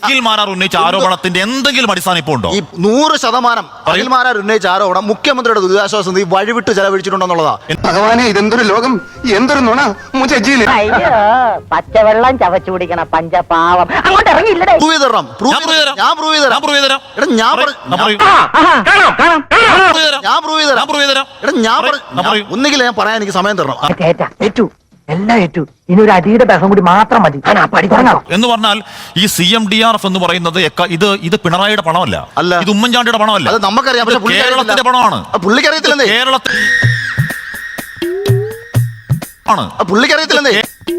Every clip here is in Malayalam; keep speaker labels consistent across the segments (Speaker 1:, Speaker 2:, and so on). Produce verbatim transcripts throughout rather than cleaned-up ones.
Speaker 1: അഖിൽമാരാർ ഉന്നയിച്ച ആരോപണത്തിന്റെ എന്തെങ്കിലും അടിസ്ഥാനം ഇപ്പോൾ ഉണ്ടോ?
Speaker 2: ഈ നൂറ് ശതമാനം അഖിൽമാരാർ ഉന്നയിച്ച ആരോപണം മുഖ്യമന്ത്രിയുടെ ദുരിതാശ്വാസ നിധി വഴിവിട്ട് ചെലവഴിച്ചിട്ടുണ്ടെന്നുള്ളതാ.
Speaker 3: ഭഗവാനെ, ഇതെന്തൊരു ലോകം, എന്തൊരു നുണ.
Speaker 4: പച്ചവെള്ളം ചവച്ചു കുടിക്കണ പഞ്ചപാവം അങ്ങോട്ട് ഇറങ്ങിയില്ലേ?
Speaker 2: ഞാൻ പ്രൂവ് ചെയ്തുതരാം. ഞാൻ പ്രൂവ് ചെയ്തുതരാം. ഒന്നുകിൽ ഞാൻ പറയാൻ എനിക്ക് സമയം തരണം.
Speaker 4: എല്ലാം ഏറ്റു. ഇനി ഒരു അടിയുടെ ബഹം കൂടി മാത്രം മതി.
Speaker 1: എന്ന് പറഞ്ഞാൽ ഈ C M D R F എന്ന് പറയുന്നത് ഇത് ഇത് പിണറായിയുടെ പണമല്ല,
Speaker 2: അല്ല,
Speaker 1: ഇത് ഉമ്മൻചാണ്ടിയുടെ പണമല്ല,
Speaker 2: അത് നമുക്കറിയാം. പക്ഷേ
Speaker 1: കേരളത്തിന്റെ പണമാണ്.
Speaker 2: പുള്ളിക്കറിയത്തില്ലേ?
Speaker 1: കേരളത്തിൽ ആണ്.
Speaker 2: പുള്ളിക്കറിയത്തില്ലേ?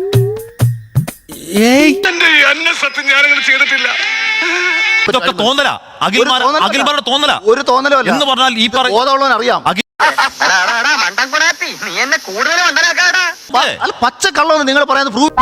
Speaker 1: ഇതൊക്കെ തോന്നല, അഖിൽമാരുടെ തോന്നല.
Speaker 2: ഒരു തോന്നലോ
Speaker 1: എന്ന് പറഞ്ഞാൽ ഈ
Speaker 2: ബോധമുള്ളവൻ അറിയാം. പച്ച കള്ളമെന്ന് നിങ്ങൾ പറയുന്നത് പ്രൂവ്.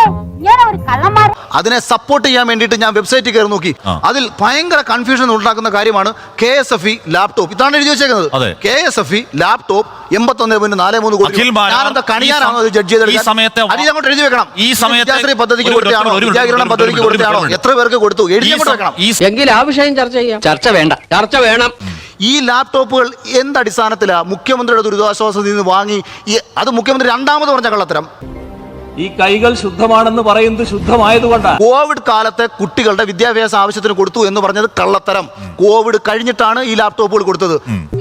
Speaker 2: അതിനെ സപ്പോർട്ട് ചെയ്യാൻ വേണ്ടിയിട്ട് ഞാൻ വെബ്സൈറ്റിൽ കയറി നോക്കി. അതിൽ ഭയങ്കര കൺഫ്യൂഷൻ ഉണ്ടാക്കുന്ന കാര്യമാണ് K S F E laptop. ഇതാണ് എഴുതി വെച്ചേക്കുന്നത്. K S F E laptop എൺപത്തൊന്ന് പോയിന്റ് നാല് മൂന്ന് കോടി. ഞാനെന്താ കണിയാനാണോ ജഡ്ജ് ചെയ്ത് അങ്ങോട്ട് എഴുതി വെക്കണം. ഈ സമയത്ത് പദ്ധതിക്ക് കൊടുത്താണോ, വിദ്യാകിരണം പദ്ധതിക്ക് കൊടുത്താണോ, എത്ര പേർക്ക് കൊടുത്തു, എഴുതി അങ്ങോട്ട് വെക്കണം.
Speaker 5: എങ്കിൽ ആ വിഷയം ചർച്ച ചെയ്യാം. ചർച്ച വേണ്ട, ചർച്ച വേണം.
Speaker 2: ഈ ലാപ്ടോപ്പുകൾ എന്തടിസ്ഥാനത്തിലാണ് മുഖ്യമന്ത്രിയുടെ ദുരിതാശ്വാസ നിധി വാങ്ങി? അത് മുഖ്യമന്ത്രി രണ്ടാമത് പറഞ്ഞ കള്ളത്തരം.
Speaker 6: ഈ കൈകൾ ശുദ്ധമാണെന്ന് പറയുന്നത് ശുദ്ധമായതുകൊണ്ടാണ്.
Speaker 2: കോവിഡ് കാലത്തെ കുട്ടികളുടെ വിദ്യാഭ്യാസ ആവശ്യത്തിന് കൊടുത്തു എന്ന് പറഞ്ഞത് കള്ളത്തരം. കോവിഡ് കഴിഞ്ഞിട്ടാണ് ഈ ലാപ്ടോപ്പുകൾ കൊടുത്തത്.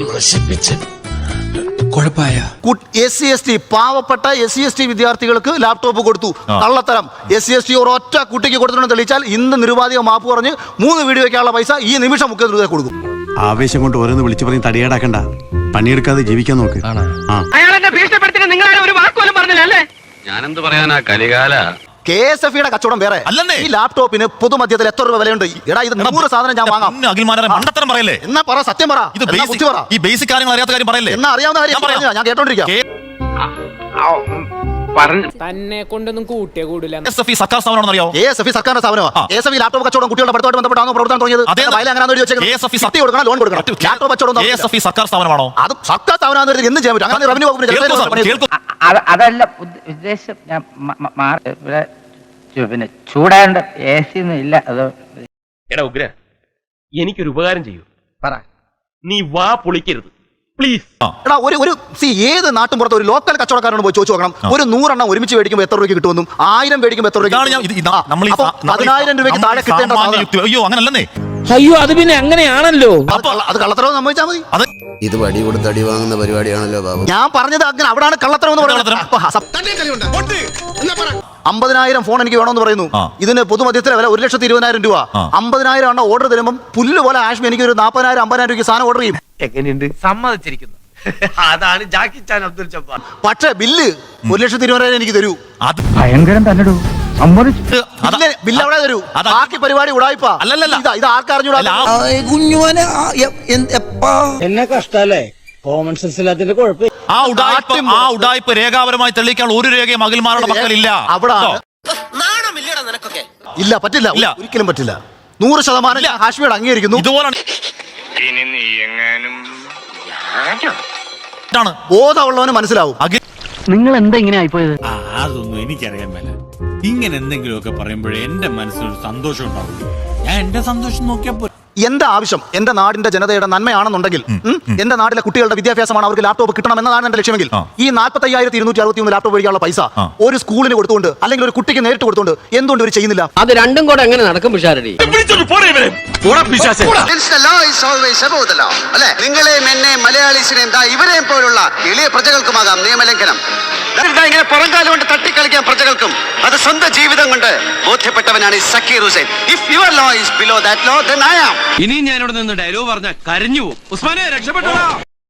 Speaker 2: എസ് സി എസ് ടി പാവപ്പെട്ട എസ് സി എസ് ടി വിദ്യാർത്ഥികൾക്ക് ലാപ്ടോപ്പ് കൊടുത്തു, കള്ളത്തരം. എസ് സി എസ് ടി ഒരൊറ്റ കുട്ടിക്ക് കൊടുത്തിട്ടുണ്ടെന്ന് തെളിയിച്ചാൽ ഇന്ന് നിരുപാധിക മാപ്പ് പറഞ്ഞ് മൂന്ന് വീഡിയോ വയ്ക്കാനുള്ള പൈസ ഈ നിമിഷം മുഖ്യമന്ത്രി കൊടുക്കും.
Speaker 7: ആവേശം കൊണ്ട് ഓരോന്ന് വിളിച്ചു പറഞ്ഞ് തടിയേടാക്കണ്ട, പണിയെടുക്കാതെ ജീവിക്കാൻ നോക്ക്.
Speaker 5: ഞാനെന്ത് പറയാനാ, കലികാല.
Speaker 2: കെ എസ് എഫ് ഇയുടെ കച്ചവടം വേറെ. ഈ ലാപ്ടോപ്പിന് പൊതുമധ്യത്തിൽ എത്ര രൂപ വിലയുണ്ട്? എടാ, ഇത് നൂറ് സാധനം ഞാൻ വാങ്ങാം.
Speaker 1: മണ്ടത്തരം പറയല്ലേ?
Speaker 2: എന്നാ പറ, സത്യം പറ.
Speaker 1: ഇത് ഈ ബേസിക് കാര്യങ്ങൾ അറിയാത്ത കാര്യം പറയല്ലേ?
Speaker 2: എന്നാ അറിയാവുന്ന കാര്യം ഞാൻ കേട്ടോണ്ടിരിക്കാം.
Speaker 8: തന്നെ കൊണ്ടൊന്നും കൂട്ടിയേ കൂടില്ല.
Speaker 1: സർക്കാർ സ്ഥാപനമാണെന്ന് അറിയാമോ?
Speaker 2: കെ എസ് എഫ് സർക്കാരിന്റെ സ്ഥാപനമാണ്. കെ എസ് എഫ് ലാപ്ടോപ്പ് കച്ചവടം കുട്ടികളുടെ പഠിത്തമായിട്ട് ബന്ധപ്പെട്ടാണോ പ്രവർത്തനം തുടങ്ങിയത്? ലോൺ കൊടുക്കണം. ലാപ്ടോപ്പ് കച്ചവടം
Speaker 1: സർക്കാർ സ്ഥാപനമാണോ?
Speaker 2: അത് സർക്കാർ സ്ഥാപനമാണെന്ന് എന്ത് ചെയ്യാൻ പറ്റും? അങ്ങനെ റവന്യൂ വകുപ്പിന്
Speaker 4: അതല്ല ഉദ്ദേശം. ഞാൻ പിന്നെ ചൂടാണ്ട് എ സി ഒന്നും ഇല്ല. അത്
Speaker 6: എടാ ഉഗ്ര, എനിക്കൊരു ഉപകാരം ചെയ്യൂ. പറ. നീ വാ പൊളിക്കരുത് പ്ലീസ്.
Speaker 2: എടാ, ഒരു ഒരു സി ഏത് നാട്ടും പുറത്ത് ഒരു ലോക്കൽ കച്ചവടക്കാരോട് പോയി ചോദിച്ചു നോക്കണം. ഒരു നൂറെണ്ണം ഒരുമിച്ച് മേടിക്കുമ്പോൾ എത്ര രൂപയ്ക്ക് കിട്ടുമെന്നും ആയിരം മേടിക്കുമ്പോൾ എത്ര രൂപയ്ക്ക് പതിനായിരം രൂപയ്ക്ക് താഴെ കിട്ടേണ്ട.
Speaker 1: അയ്യോ, അങ്ങനല്ലേ?
Speaker 8: അയ്യോ, അത് പിന്നെ അങ്ങനെയാണല്ലോ.
Speaker 2: അത് കള്ളത്തരം സംഭവിച്ചാൽ മതി.
Speaker 7: ഇത് വടി കൊടുത്ത് അടി വാങ്ങുന്ന പരിപാടിയാണല്ലോ ബാബു.
Speaker 2: ഞാൻ പറഞ്ഞത് അങ്ങനെ അവിടാണ് കള്ളത്തരം എന്ന് പറയുന്നത്. അമ്പതിനായിരം ഫോൺ എനിക്ക് വേണമെന്ന് പറയുന്നു. ഇതിന് പൊതുമധ്യത്തിലെ വില ഒരു ലക്ഷത്തി ഇരുപതിനായിരം രൂപ. അമ്പതിനായിരം ആണ് ഓർഡർ തരുമ്പോൾ പുല്ല് പോലെ ആഷ്മി എനിക്ക് ഒരു നാൽപ്പതിനായിരം അമ്പതിനായിരം രൂപയ്ക്ക് സാധനം ഓർഡർ ചെയ്യും.
Speaker 5: എങ്ങനെയുണ്ട്? സമ്മതിച്ചിരിക്കുന്നു. അതാണ് ജാക്കി ചാൻ അബ്ദുൽ ജബ്ബാർ.
Speaker 2: പക്ഷേ ബില്ല് ഒരു ലക്ഷത്തി ഇരുപതിനായിരം എനിക്ക് തരൂ.
Speaker 8: അത് ഭയങ്കരം തന്നെ.
Speaker 2: ബില്ല് അവിടെ തരൂ. ബാക്കി പരിപാടി ഉടായിപ്പാ. ഇത് ആർക്കറിഞ്ഞൂടാ.
Speaker 8: എന്നെ കഷ്ടല്ലേ? കോമൺ സെൻസ് ഇല്ലാത്തതിന്റെ കുഴപ്പം.
Speaker 1: ആ ഉടായ്പ രേഖാപരമായി തെളിയിക്കാൻ ഒരു രേഖയും അഖിൽമാരുടെ പക്കലില്ല.
Speaker 2: അവിടെ ഇല്ല, പറ്റില്ല, ഒരിക്കലും പറ്റില്ല. നൂറ് ശതമാനം ഹാഷ്മിയോട് അംഗീകരിക്കുന്നു.
Speaker 1: ഇതുപോലെ
Speaker 2: ബോധമുള്ളവന് മനസ്സിലാവും.
Speaker 4: നിങ്ങൾ എന്താ ഇങ്ങനെ ആയിപ്പോയത്?
Speaker 9: അതൊന്നും എനിക്കറിയാൻ മേല. ഇങ്ങനെ എന്തെങ്കിലുമൊക്കെ പറയുമ്പോഴേ എന്റെ മനസ്സിനൊരു സന്തോഷം ഉണ്ടാവും. ഞാൻ എന്റെ സന്തോഷം നോക്കിയപ്പോ
Speaker 2: എന്റെ ആവശ്യം എന്റെ നാടിന്റെ ജനതയുടെ നന്മയാണെന്നുണ്ടെങ്കിൽ, എന്റെ നാട്ടിലെ കുട്ടികളുടെ വിദ്യാഭ്യാസമാണ് അവർക്ക് ലാപ്ടോപ്പ് കിട്ടണം എന്നതാണ് എന്റെ ലക്ഷ്യമെങ്കിൽ, ഈ നാൽപ്പത്തി അയ്യായിരത്തി ഇരുന്നൂറ്റി അറുപത്തി മൂന്ന് ലാപ്ടോപ്പ് മേടിക്കാനുള്ള പൈസ ഒരു സ്കൂളിന് കൊടുത്തുകൊണ്ട് അല്ലെങ്കിൽ ഒരു കുട്ടിക്ക് നേരിട്ട് കൊടുത്തുകൊണ്ട് എന്തുകൊണ്ട് ഒരു ചെയ്യുന്നില്ല?
Speaker 5: അത് രണ്ടും കൂടെ എങ്ങനെ നടക്കും പിഷാരടി?
Speaker 3: നിങ്ങളെയും എന്നെ മലയാളീസിനെയും ഇവരെയും പോലുള്ള എളിയ പ്രജകൾക്കുമാകാം നിയമലംഘനം. ഇങ്ങനെ പുറംകാലം കൊണ്ട് തട്ടിക്കളിക്കാൻ പ്രജകൾക്കും അത് സ്വന്തം ജീവിതം കൊണ്ട് ബോധ്യപ്പെട്ടവനാണ് Zakir Hussain. If your law is below that law, then I am.
Speaker 5: ഇനി ഞാനിവിടെ നിന്ന് ഡയലോഗ് പറഞ്ഞ കരഞ്ഞു പോകും. ഉസ്മാനെ രക്ഷപ്പെട്ടോ.